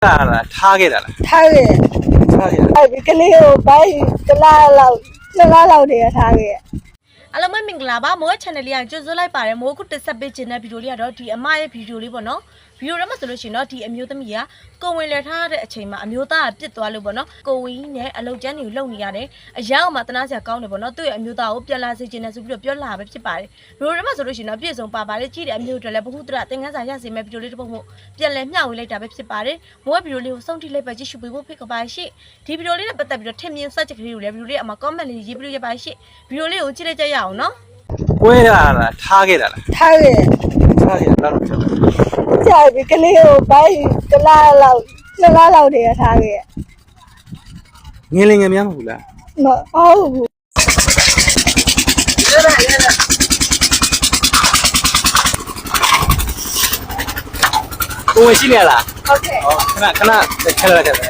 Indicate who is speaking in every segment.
Speaker 1: ထားခဲ့တာလား
Speaker 2: ထားခဲ့
Speaker 1: ထားခဲ့တာ
Speaker 2: အဲ့ဒီကလေးကိုဘိုင်းကလားလောက်တည်းထားခဲ့
Speaker 3: အားလုံးပဲမင်္ဂလာပါမိုး channel လေးကကြိုဆိုလိုက်ပါတယ်မိုးခုတက်ဆက်ပေးခြင်းတဲ့ဗီဒီယိုလေးကတော့ဒီအမရဲ့ဗီဒီယိုလေးပေါ့နော်ဗီဒီယိုထဲမှာဆိုလို့ရှိရင်တော့ဒီအမျိုးသမီးကကိုဝင်လည်ထားတဲ့အချိန်မှာအမျိုးသားကပြစ်သွားလို့ပေါ့နော်ကိုဝင်းနဲ့အလုတ်ကျန်းတွေကိုလုံနေရတယ်အယောက်မှတနာစရာကောင်းတယ်ပေါ့နော်သူ့ရဲ့အမျိုးသားကိုပြန်လာစေခြင်းနဲ့ဆိုပြီးတော့ပြောလာပဲဖြစ်ပါတယ်ဗီဒီယိုထဲမှာဆိုလို့ရှိရင်တော့ပြည့်စုံပါပါတယ်ကြည့်တဲ့အမျိုးတွေလည်းဘ ഹു တရသင်ခန်းစာရစေမယ့်ဗီဒီယိုလေးတစ်ပုဒ်မို့ပြန်လဲမျှဝေလိုက်တာပဲဖြစ်ပါတယ်မိုးရဲ့ဗီဒီယိုလေးကိုစောင့်ကြည့်လိုက်ပါကြည့်ရှုပေးဖို့ဖိတ်ခေါ်ပါရှိဒီဗီဒီယိုလေးနဲ့ပတ်သက်ပြီးတော့ထင်မြင်စကြက်ကလေးကိုလည်းဗီဒီယိုလေးအမှာ comment လေးရေးပြီးရပါရှိဗီဒီယိုလေးကိုကြည့်လိုက်ကြရအောင်နော်
Speaker 1: ကွဲတာလားထားခဲ့တာလား
Speaker 2: ထားခဲ့
Speaker 1: ထားခဲ့တာတော့ပြောတယ်
Speaker 2: ကြာပြီကလေးကိုဘိုင်းကလားလောက်တည်းထားခဲ့
Speaker 1: ငင်းလင်ငယ်များမဟုတ်လား
Speaker 2: မဟုတ်ဘူး
Speaker 1: ကိုဝင်ရှိနေလား
Speaker 2: ဟုတ်ကဲ့
Speaker 1: ဟောခဏခက်လိုက်တယ်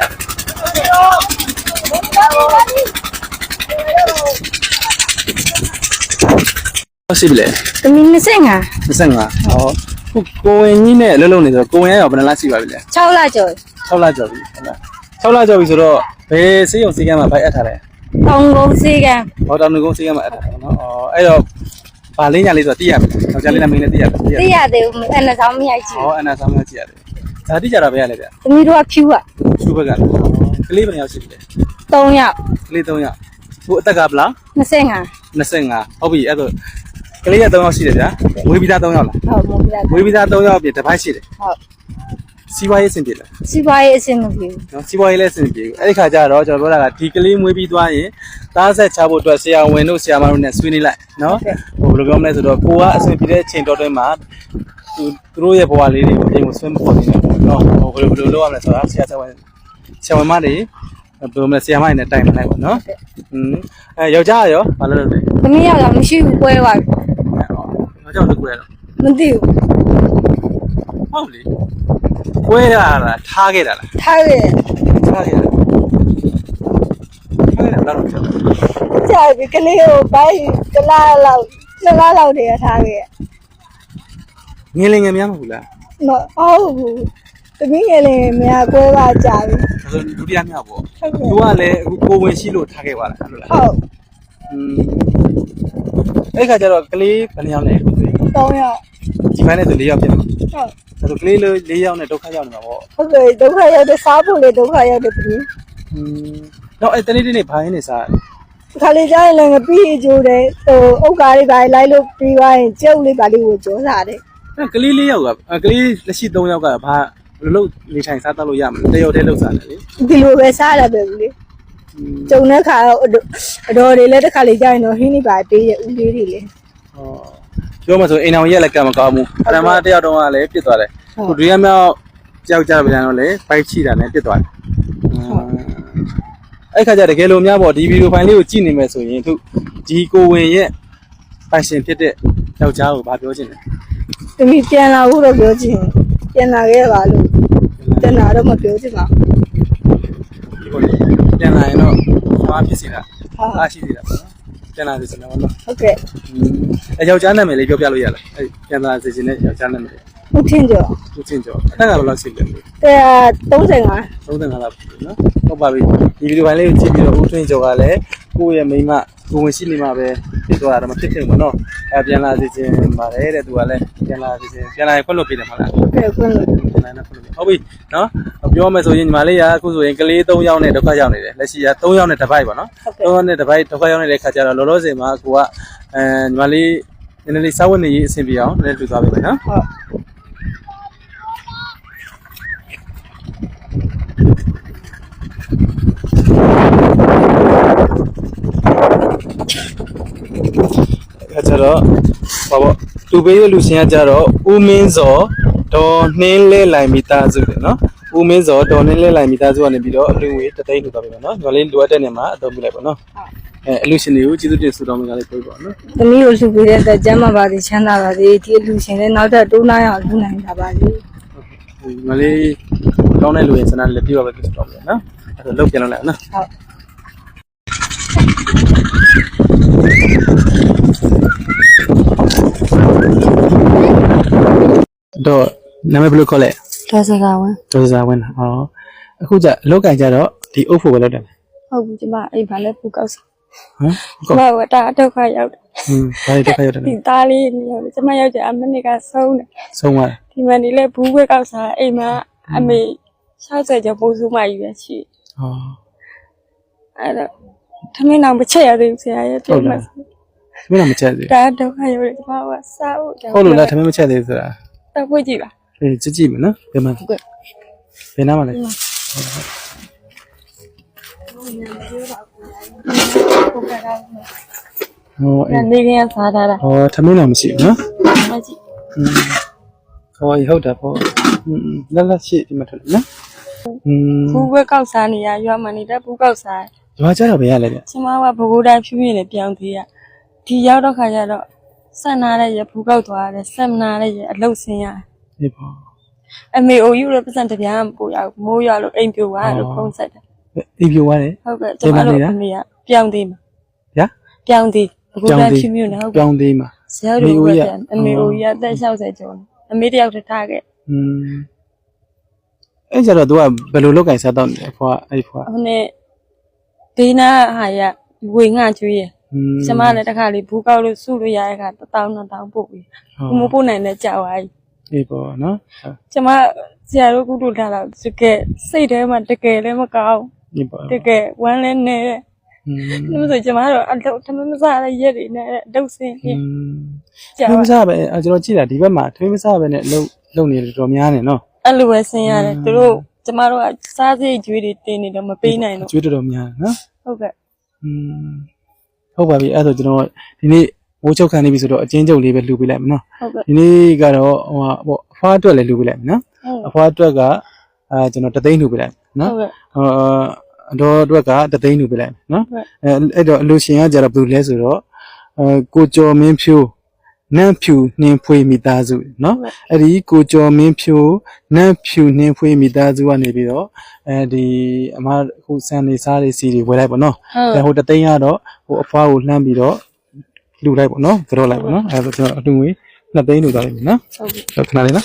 Speaker 1: ဟုတ်ရှိပြီလေ
Speaker 2: သမီး25
Speaker 1: 25ဟောခုကိုဝင်ကြီးနဲ့လှုပ်နေဆိုကိုဝင်ရောဘယ်နှလားရှိပါပြီလဲ
Speaker 2: 6လကျော်
Speaker 1: 6လကျော်ပြီဟုတ်လား6လကျော်ပြီဆိုတော့ဘယ်စေးရုံစေးကမ်းမှာဘိုက်အပ်ထားလဲ
Speaker 2: တောင်ကုန်စီကံ
Speaker 1: ဟောတောင်ငုံစေးကမ်းမှာအပ်ထားတယ်နော်အော်အဲ့တော့ဗာလေးညာလေးဆိုတော့သိရမယ်ယောက်ျားလေးနဲ့မိန်းလေးသိရမယ်
Speaker 2: သိရသေးဘူးအဲ့နဲ့ဆောင်မရိုက်ကြည့်
Speaker 1: ဟောအနာဆောင်မကြည့်ရတယ်ဒါတိကြတာပဲရလေဗျ
Speaker 2: သမီးတို့ကဖြူက
Speaker 1: ရှုဘက်ကကလေးဘယ်နှယောက်ရှိပြီလဲ
Speaker 2: 3ယောက်က
Speaker 1: လေး3ယောက်ကိုအသက်ကဘလား
Speaker 2: 25
Speaker 1: 25ဟုတ်ပြီအဲ့တော့ကလေးရ3ယောက်ရှိတယ်ဗျာဝေးပြီးသား3ယောက်လား
Speaker 2: ဟုတ်မို့ပြ
Speaker 1: ဝေးပြီးသား3ယောက်ပြင်တစ်ပိုက်ရှိတယ်
Speaker 2: ဟုတ်
Speaker 1: စီးပွားရေးအဆင်ပြေလား
Speaker 2: စီးပွားရေးအဆင်မပြေဘူး
Speaker 1: နော်စီးပွားရေးလည်းအဆင်ပြေဘူးအဲ့ဒီခါကျတော့ကျွန်တော်ပြောတာကဒီကလေးမွေးပြီးသွားရင်သားဆက်ချဖို့အတွက်ဆရာဝန်တို့ဆရာမတို့နဲ့ဆွေးနွေးလိုက်နော်ဟိုဘယ်လိုပြောမလဲဆိုတော့ကိုကအဆင်ပြေတဲ့ချိန်တော်တွင်းမှာသူတို့ရဲ့ဘဝလေးတွေကိုအိမ်ကိုဆွဲမပေါ်နေဘူးနော်ဟိုဘယ်လိုလုပ်ရမလဲဆိုတာဆရာဝန်မတွေဘယ်လိုမလဲဆရာမတွေနဲ့တိုင်ပင်လိုက်ပါနော်အဲယောက်ျားရောဘာလို့လုပ်လဲ
Speaker 2: သမီးယောက်ကမရှိဘူးကွဲသွားပြီ
Speaker 1: ယောက်ျားတို့ကွဲတော့
Speaker 2: မသိဘူး
Speaker 1: ဟုတ်လေကွဲတာလားထားခဲ့တာလား
Speaker 2: ထားခဲ့
Speaker 1: ထားခဲ့တာထားခဲ့တာတော့ပြော
Speaker 2: ကြာပြီကလေးကိုဘိုင်းကလားလောက်တည်းထားခဲ့
Speaker 1: ငင်းလင်ငယ်များမဟုတ်လား
Speaker 2: မဟုတ်ဘူးသမီးငယ်လေးများကွဲသွားကြပြီ
Speaker 1: ဆိုဒုတိယမြောက်ပေါ့
Speaker 2: ဟုတ်ကဲ့
Speaker 1: သူကလည်းအခုကိုဝင်ရှိလို့ထားခဲ့ပါလားအဲ့လိုလား
Speaker 2: ဟုတ်
Speaker 1: အဲ့ခါကျတော့ကလေးဘယ်နှယောက်လဲအခုဆိုရင်
Speaker 2: 3ယောက်
Speaker 1: ဒီပိုင်းနဲ့ဆို4ယောက်ပြင်မှာ
Speaker 2: ဟုတ်
Speaker 1: အဲ့ဆိုကလေးလေး4ယောက်နဲ့ဒုက္ခရောက်နေမှာပေါ့
Speaker 2: ဟုတ်ကဲ့ဒုက္ခရောက်တဲ့စားဖို့လေဒုက္ခရောက်တဲ့သမီး
Speaker 1: တော့အဲ့တနေ့တနေ့ဘာရင်းနေစား
Speaker 2: ခါလေးကျရင်လည်းငပီးကြိုးတယ်ဟိုဥက္ကာလေးပါလိုက်လို့ပြီးသွားရင်ကျုပ်လေးပါလေးကိုကြောစားတယ်
Speaker 1: အဲ့ကလေး4ယောက်ကကလေးလက်ရှိ3ယောက်ကဘာဘယ်လိုလုပ်နေထိုင်စားတတ်လို့ရမလဲတယောက်တည်းလုပ်စားတယ်လေ
Speaker 2: ဒီလိုပဲစားရပဲဘူးလေကျုံတဲ့ခါတော့အတော်တွေလည်းတစ်ခါလေးကျရင်တော့ဟင်းနေပါပေးရဲ့ဦးလေးတွေလေ
Speaker 1: ဟောပြောမှဆိုအိမ်အောင်ရက်လည်းကံမကောင်းဘူးပထမတယောက်တော့ကလည်းပြစ်သွားတယ်ခုဒုတိယမြောက်ကြောက်ကြပြန်တော့လေဘိုက်ချိတာနဲ့ပြစ်သွားတယ်အဲ့ခါကျတကယ်လို့များပေါ့ဒီဗီဒီယိုဖိုင်လေးကိုကြည့်နေမယ်ဆိုရင်သူဒီကိုဝင်ရဲ့ပိုင်ရှင်ဖြစ်တဲ့ယောက်ျားကိုဘာပြောချင်လဲ
Speaker 2: သမီးပြန်လာဖို့တော့ပြောချင်ပြန်လာခဲ့ပါလို့ပြန်လာတော့မပြောချင်ပါဘူး
Speaker 1: ဟုတ်တယ်ပြန်လာရင်တော့ဘာဖြစ်စီလားအားရှိသေးတာပေါ့နော်ပြန်လာစီစနေပါတော့
Speaker 2: ဟုတ်ကဲ့
Speaker 1: အဲယောက်ျားနာမည်လေးပြောပြလို့ရလားအဲပြန်လာစီခြင်းနဲ့ယောက်ျားနာမည်
Speaker 2: ဟုတ်ထင်ကြော
Speaker 1: သူချင်းကျော်အသက်ကဘယ်လောက်ရှိလဲ
Speaker 2: 35
Speaker 1: 35လောက်ပြီနော်ဟုတ်ပါပြီဒီဗီဒီယိုဖိုင်လေးကိုကြည့်ပြီးတော့ဦးထွင်းကျော်ကလည်းကိုယ့်ရဲ့မိန်းမကိုဝင်ရှိနေမှာပဲဖြစ်သွားတာတော့မဖြစ်ခင်ပေါ့နော်အဲပြန်လာစီခြင်းပါတယ်တဲ့သူကလည်းပြန်လာစီခြင်းပြန်လာရင်ခွင့်လွှတ်ပေးတယ်မဟုတ်လား
Speaker 2: ဟုတ်ကဲ့ခွင့်လို့
Speaker 1: ပြန်လာရင်ခွင့်လွှတ်ပေးဟုတ်ပြီနော်ပြောမယ်ဆိုရင်ညီမလေးကအခုဆိုရင်ကလေး3ယောက်နဲ့ဒုက္ခရောက်နေတယ်လက်ရှိက3ယောက်နဲ့တစ်ပိုက်ပေါ့နော်3ယောက်နဲ့တစ်ပိုက်ဒုက္ခရောက်နေတဲ့ခါကျတော့လောလောဆယ်မှာကိုကညီမလေးနည်းနည်းလေးစောင့်ဝင်နေရေးအဆင်ပြေအောင်နည်းနည်းတူသွားပေးမယ်နော်
Speaker 2: ဟုတ်
Speaker 1: အဲ့ကျတော့ဘာပေါ့သူပေးရလူရှင်ကကြတော့ဦးမင်းစောဒေါ်နှင်းလဲလိုင်မိသားစုတယ်နော်ဦးမင်းစောဒေါ်နှင်းလဲလိုင်မိသားစုကနေပြီးတော့အလူငွေတသိန်းထုတ်သွားပြီနော်ညီမလေးလိုအပ်တဲ့နေရာမှာအသုံးပြုလိုက်ပါနော်အလူရှင်တွေကိုကျေးဇူးတင်ဆုတောင်းပေးကြလေးပြောပါနော်
Speaker 2: သမီးကိုလှူပေးတဲ့အတွက်ကျမ်းမာပါစေချမ်းသာပါစေဒီလူရှင်လည်းနောက်ထပ်တိုးနိုင်အောင်လှူနိုင်တာပါလေ
Speaker 1: ညီမလေးကောင်းတဲ့လူရင်စနာလည်းပြပါပဲဆုတောင်းပေးနော်အဲ့တော့လုတ်ပြန်လို့လိုက်နော်
Speaker 2: ဟုတ်
Speaker 1: တော့နာမည်ဘယ်လိုခေါ်လဲ
Speaker 2: တော်စကားဝင်
Speaker 1: ဒေါ်စာဝင်ဟောအခုကျအလောက်ကန်ကြတော့ဒီအုပ်ဖို့ပဲလောက်တယ်
Speaker 2: ဟုတ်ဘူးကျမအိမ်မှာလည်းပူကောက်စား
Speaker 1: ဟမ်
Speaker 2: ကျမကတာဒုက္ခရောက်တယ်
Speaker 1: ဘာတွေတက်ခါရတယ်
Speaker 2: ဒီသားလေးမျိုးကျမယောက်ျားအမနစ်ကဆုံးတယ်
Speaker 1: ဆုံးသွား
Speaker 2: ဒီမှာနေလဲဘူးခွဲကောက်စားအိမ်မှာအမေ60ကျော်ပိုးစုမှယူရရှိ
Speaker 1: ဟော
Speaker 2: အဲ့တော့ထမင်းအောင်မချက်ရသေးဘူးဆရာရဲ့ပြောမှ
Speaker 1: မင်းမချက်သေး
Speaker 2: တာဒုက္ခရောက်တယ်ကျမကစားဖို့
Speaker 1: ဟုတ်လို့လားထမင်းမချက်သေးဆိုတာ
Speaker 2: တော့ဖွင့်ကြည့်ပါ
Speaker 1: အေးကြည့်မယ်နော်ဘယ်မှာဘယ်နားမှာလဲ
Speaker 2: ဟုတ်ကဲ့တော့
Speaker 1: ဟောအေး
Speaker 2: နေကင်းစားထားတာ
Speaker 1: ဟောထမင်းလည်းမရှိဘူးနော်
Speaker 2: မကြည့်
Speaker 1: ဟောဟုတ်တာပေါ့လက်လက်ရှိဒီမှာထွက်နော်
Speaker 2: ဘူးခွဲကောက်စားနေရရွာမှာနေတဲ့ဘူးကောက်စား
Speaker 1: ရွာကြတော့ဘယ်ရလဲဗျ
Speaker 2: ကျမကဘကိုးတိုင်းဖြူးပြင်းနဲ့ပြောင်းသေးရဒီရောက်တော့ခါကျတော့ဆက်နာတဲ့ရဘူးကောက်သွားတယ်ဆက်မနာတဲ့ရအလုတ်ဆင်းရတယ်
Speaker 1: အေးပေါ့
Speaker 2: အမေအိုယူလည်းပတ်စံတပြားမပို့ရဘူးမိုးရွာလို့အိမ်ပြိုသွားလို့ဖုံးဆက်တယ်
Speaker 1: အေးပြိုသွားတယ်
Speaker 2: ဟုတ်ကဲ့ကျမတို့အမေကပြောင်းသေးမှာ
Speaker 1: ဗျာ
Speaker 2: ပြောင်းသေးဘကိုးတိုင်းဖြူးပြင်းနဲ့ဟုတ်ကဲ့
Speaker 1: ပြောင်းသေးမှာ
Speaker 2: ဆရာတို့ကပြန်အမေအိုကြီးအသက်60ကျော်အမေတယောက်တည်းထားခဲ့
Speaker 1: အဲ့ကြတော့ तू ကဘယ်လိုလောက်ကင်စားတော့နေဖွာအဲ့ဖွာ
Speaker 2: ဟိုနေ့ဒေးနာဟာရဝေငှကျွေးရကျမလည်းတစ်ခါလေးဘူးကောက်လို့စုလို့ရတဲ့ခါ1000-2000ပို့ပြီးဘမပို့နိုင်တဲ့ကြောက်သွားပြီ
Speaker 1: အေးပေါ့နော်
Speaker 2: ကျမဆရာတို့ကုတုထားတော့တကယ်စိတ်ထဲမှာတကယ်လည်းမကောင်း
Speaker 1: အေးပေါ့
Speaker 2: တကယ်ဝမ်းလည်းနေတယ်ဒါမှမဟုတ်ကျမတို့အလုပ်ထမမစားတဲ့ရက်တွေနဲ့အလုပ်စင်းပြကြော
Speaker 1: ထွေးမ
Speaker 2: က်
Speaker 1: စားပဲကျွန်တော်ကြည့်တာဒီဘက်မှာထွေးမစားပဲနဲ့လုံနေတယ်တော်များနေနော်
Speaker 2: အဲ့လိုပဲဆင်းရတယ်သူတို့ကျမတို့ကစားစိတ်ကြွေးတွေတင်နေတော့မပေးနိုင်တော့
Speaker 1: ကျွေးတော်များနော်
Speaker 2: ဟုတ်ကဲ့
Speaker 1: ဟုတ်ပါပြီအဲ့ဒါဆိုကျွန်တော်ဒီနေ့မိုးချုပ်ခံနေပြီဆိုတော့အချင်းချုပ်လေးပဲလှူပေးလိုက်မယ်နော်
Speaker 2: ဟုတ်ကဲ့
Speaker 1: ဒီနေ့ကတော့ဟိုပေါ့အဖွားအတွက်လည်းလှူပေးလိုက်မယ်နော်အဖွားအတွက်ကကျွန်တော်တသိန်းလှူပေးလိုက်နော်
Speaker 2: ဟုတ်ကဲ့
Speaker 1: အတော်အတွက်ကတသိန်းလှူပေးလိုက်မယ်နော်အဲ့တော့အလူရှင်ကကြတော့ဘယ်လိုလဲဆိုတော့ကိုကျော်မင်းဖြိုးနန့်ဖြူနှင်းဖွေးမိသားစုเนาะအဲ့ဒီကိုကျော်မင်းဖြိုးနန့်ဖြူနှင်းဖွေးမိသားစုကနေပြီးတော့ဒီအမအခုစံနေစားတွေစီတွေဝယ်လိုက်ပေါ့เนาะဟိုတသိန်းကတော့ဟိုအဖွားကိုလှမ်းပြီးတော့လှူလိုက်ပေါ့เนาะကြောလိုက်ပေါ့เนาะအဲ့ဒါကျွန်တော်အတူငွေ2သိန်းလှူသွားလိုက်ပြီเนาะဟုတ်ခဏလေးနော်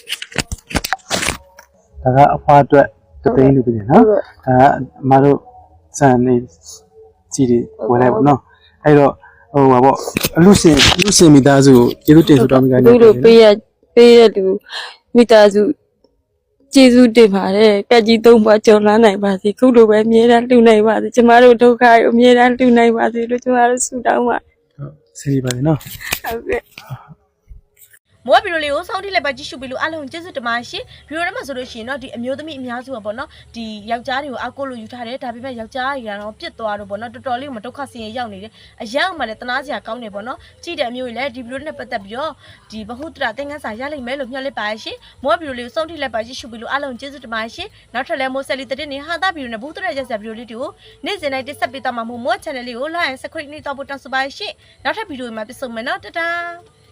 Speaker 1: ဒါကအဖွားအတွက်တသိန်းလှူပြီးတယ်เนาะဒါကအမတို့စံနေစီတွေဝယ်လိုက်ပေါ့เนาะအဲ့တော့ဟိုပါပေါ့အလူရှင်မိသားစုကိုကျေးဇူးတင်ဆိုတော့မိကနေ
Speaker 2: သူတို့ပေးရလူမိသားစုကျေးဇူးတင်ပါတယ်ကက်ကြီး3ဘွားကြော်လန်းနိုင်ပါစေခုလိုပဲအမြဲတမ်းလှူနိုင်ပါစေကျမတို့ဒုက္ခကိုအမြဲတမ်းလှူနိုင်ပါစေလို့ကျမတို့ဆုတောင်းပါ
Speaker 1: ဟုတ်စီးပါလေနော်
Speaker 2: ဟုတ်ကဲ့
Speaker 3: မောဗီဒီယိုလေးကိုစောင့်ကြည့်လိုက်ပါကြည့်ရှုပြီးလို့အားလုံးကျေးဇူးတင်ပါရှင်ဗီဒီယိုထဲမှာဆိုလို့ရှိရင်တော့ဒီအမျိုးသမီးအများစုပါပေါ့နော်ဒီယောက်ျားတွေကိုအကိုလို့ယူထားတယ်ဒါပေမဲ့ယောက်ျားတွေကတော့ပြစ်သွားတော့ပေါ့နော်တော်တော်လေးမှဒုက္ခဆင်းရဲရောက်နေတယ်အရောက်မှလည်းတနာစရာကောင်းနေပေါ့နော်ကြည့်တဲ့အမျိုးကြီးလည်းဒီဗီဒီယိုနဲ့ပတ်သက်ပြီးတော့ဒီဘဟုတ္တရသင်ခန်းစာရလိမ့်မယ်လို့မျှော်လင့်ပါရှင်မောဗီဒီယိုလေးကိုစောင့်ကြည့်လိုက်ပါကြည့်ရှုပြီးလို့အားလုံးကျေးဇူးတင်ပါရှင်နောက်ထပ်လည်းမိုးဆက်လီတဲ့နေဟာတာဗီဒီယိုနဲ့ဘဟုတ္တရရက်စဗီဒီယိုလေးတွေကိုနေ့စဉ်တိုင်းတက်ဆက်ပေးသွားမှာမို့ channel လေးကို like and subscribe နေတော့ပို့တောင်းဆိုပါရှင်နောက်ထပ်ဗီဒီယိုမှာပြန်ဆုံမယ်နော်တတား